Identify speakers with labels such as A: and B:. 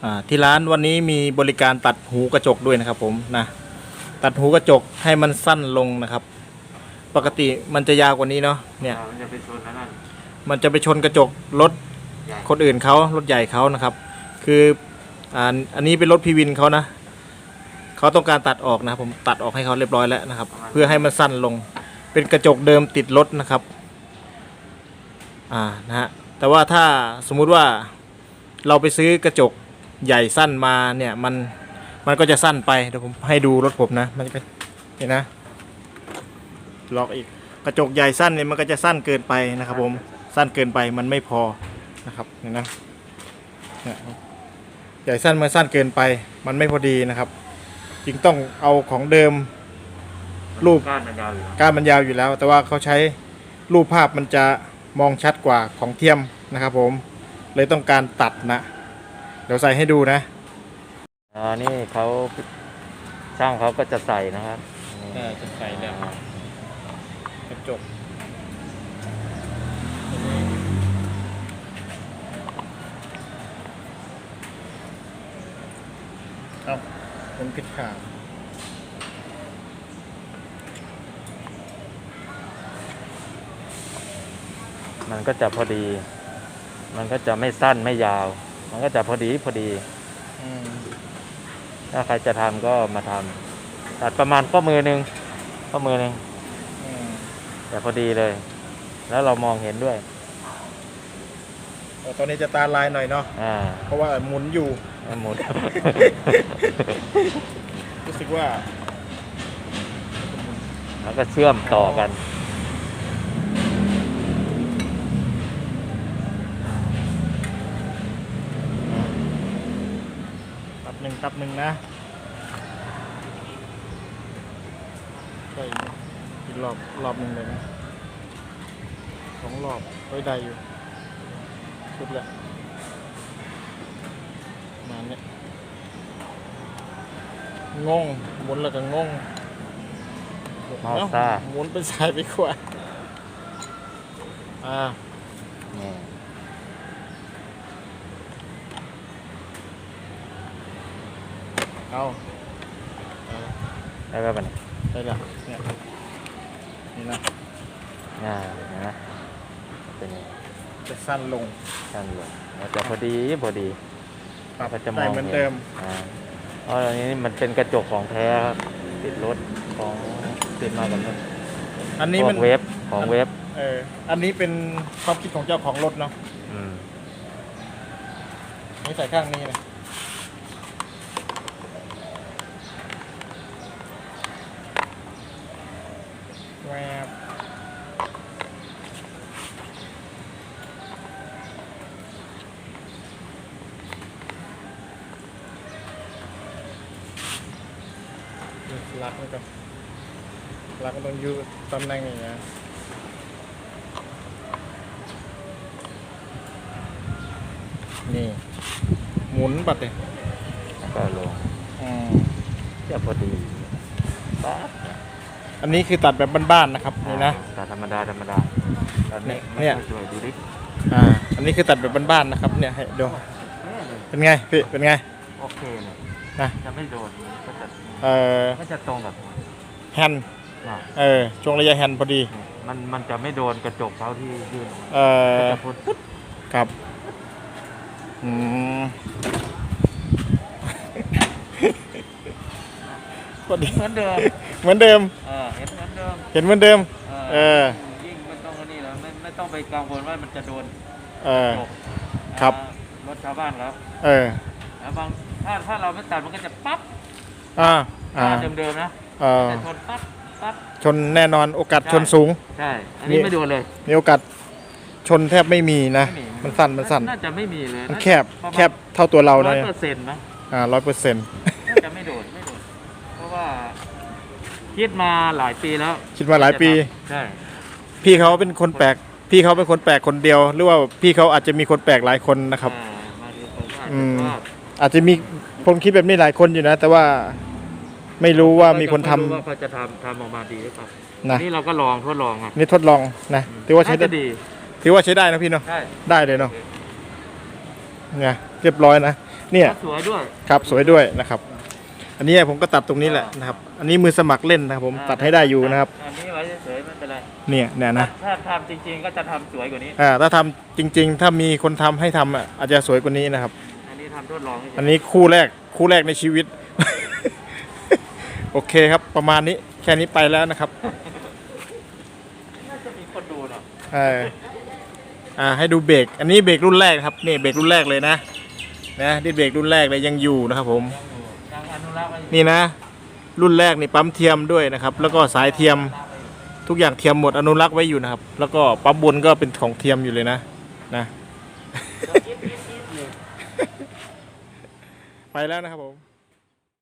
A: ที่ร้านวันนี้มีบริการตัดหูกระจกด้วยนะครับผมนะตัดหูกระจกให้มันสั้นลงนะครับ ปกติมันจะยาวกว่านี้เนาะเนี่ย
B: มันจะไปชนนั่น
A: มันจะไปชนกระจกรถคนอื่นเขารถใหญ่เขานะครับ คืออันนี้เป็นรถพีวินเขานะเขาต้องการตัดออกนะผมตัดออกให้เขาเรียบร้อยแล้วนะครับ เพื่อให้มันสั้นลงเป็นกระจกเดิมติดรถนะครับนะฮะแต่ว่าถ้าสมมุติว่าเราไปซื้อกระจกใหญ่สั้นมาเนี่ยมันก็จะสั้นไปเดี๋ยวผมให้ดูรถผมนะมันจะเป็นเห็นนะล็อกอีกกระจกใหญ่สั้นเนี่ยมันก็จะสั้นเกินไปนะครับผมสั้นเกินไปมันไม่พอนะครับเห็นนะใหญ่สั้นมันสั้นเกินไปมันไม่พอดีนะครับจึงต้องเอาของเดิมรูปก้านมันยาวอยู่แล้วแต่ว่าเขาใช้รูปภาพมันจะมองชัดกว่าของเทียมนะครับผมเลยต้องการตัดนะเดี๋ยวใส่ให้ดูนะ
B: นี่เขาช่างเขาก็จะใส่นะครับ
A: จะใส่แล้วกระจกเอาผมผิดขา
B: มันก็จะพอดีมันก็จะไม่สั้นไม่ยาวมันก็จะพอดีถ้าใครจะทำก็มาทำตัดประมาณข้อมือหนึ่งแต่พอดีเลยแล้วเรามองเห็นด้วย
A: ตอนนี้จะตาลายหน่อยเนาะเพราะว่าหมุนอยู่
B: หมุน
A: รู้สึกว่า
B: แล้วก็เชื่อมต่อกัน
A: ตับหนึ่งนะใส่อีกรอบหนึ่งเลยนะ2 รอบไว้ได้อยู่สุดแล้วมาเนี่ยงงหมุนแล้วก็งงหมุนเป็นสายไปขวาเอา
B: ได้แล้วป่ะเนี่ย
A: ได้แล้วเนี่ยนี่นะ
B: นะเป็นไง
A: จะสั้นลง
B: มันจะพอดี
A: ปรับได้เหมือนเดิม
B: อันนี้มันเป็นกระจกของแท้ครับติดรถของติดมากับรถ
A: อันนี้มัน
B: เว็บของเว็บ
A: อันนี้เป็นความคิดของเจ้าของรถเนาะนี่ใส่ข้างนี้เลยแวบลักมันต้องอยู่ตำแหน่งอย่างเงี้ยนี่หมุนบัดเลย
B: ก็ลงจะพอดีปั๊บ
A: อันนี้คือตัดแบบบ้านๆนะครับนี่นะ
B: ตัดธรรมดา
A: เนี่ย
B: ดูดิ
A: อันนี้คือตัดแบบบ้านๆนะครับเนี่ยให้ดูเป็นไงพี่เป็นไง
B: โอเคเลย
A: นะ
B: จะไม่โดนก็จะตรงกับ
A: แฮนด์ช่วงระยะแฮนด์พอดี
B: มันจะไม่โดนกระจกเขาที่ยื่นจะพ้นปุ๊บ
A: ครับพอดี
B: เหมือนเดิม
A: เห็นเหมือนเดิม
B: ยิ่งไม่ต้องนี่แล้วไม่ต้องไปกังวลว่ามันจะโดน
A: ครับ
B: รถชาวบ้านครับแล้วบางถ้าเราไม่ตัดมันก็จะปั๊บเดิมนะจะชนปั๊บ
A: ชนแน่นอนโอกาสชนสูง
B: ใช่อันนี้ไม่โดนเลย
A: มีโอกาสชนแทบไม่มีนะมันสั้น
B: น่าจะไม่มีเลย
A: มันแคบเท่าตัวเราเลย
B: 100%นะ
A: 100%
B: น่าจะไม่โดนเพราะว่าคิดมาหลายปีแล้วใช่
A: พี่เขาเป็นคนแปลกคนเดียวหรือว่าพี่เขาอาจจะมีคนแปลกหลายคนนะครับอาจจะมีคนคิดแบบนี้หลายคนอยู่นะแต่ว่าไม่รู้ว่ามีคนทำ
B: ว่าเขาจะทำออกมาดีหรือเปล่านี่เราก็ทดลอง
A: นี่ทดลองนะถือว่าใช้ได้ถือว่าใช้ได้นะพี่เนาะได้เลยเนาะเนี่ยเรียบร้อยนะเนี่ย
B: สวยด้วย
A: ครับสวยด้วยนะครับ อันนี้ผมก็ตัดตรงนี้แหละนะครับ อันนี้มือสมัครเล่นนะครับผมตัดให้ได้อยู่นะครับ
B: อันนี้ไว้เฉยๆไม่เป็นไร
A: เนี่ยนะ
B: ถ้าทำจริงๆก็จะทำสวยกว่านี้
A: ถ้าทำจริง ๆ ถ้ามีคนทำให้ทำอ่ะอาจจะสวยกว่านี้นะครับ
B: อันนี้ทำทดลองเฉยๆ
A: อันนี้คู่แรกในชีวิต โอเคครับประมาณนี้แค่นี้ไปแล้วนะครับ
B: น่าจะมีคนดูเนาะ
A: ให้ดูเบรกอันนี้เบรกรุ่นแรกครับนี่เบรกรุ่นแรกเลยนะนี่เบรกรุ่นแรกเลยยังอยู่นะครับผม
B: ยังอนุรักษ์ไว้อยู่
A: นี่นะ รุ่นแรกนี่ปั๊มเทียมด้วยนะครับ แล้วก็สายเทียมทุกอย่างเทียมหมดอนุรักษ์ไว้อยู่นะครับ แล้วก็ปั๊มบนก็เป็นของเทียมอยู่เลยนะ
B: เดี๋ยวยิบๆๆเลย
A: ไปแล้วนะครับผม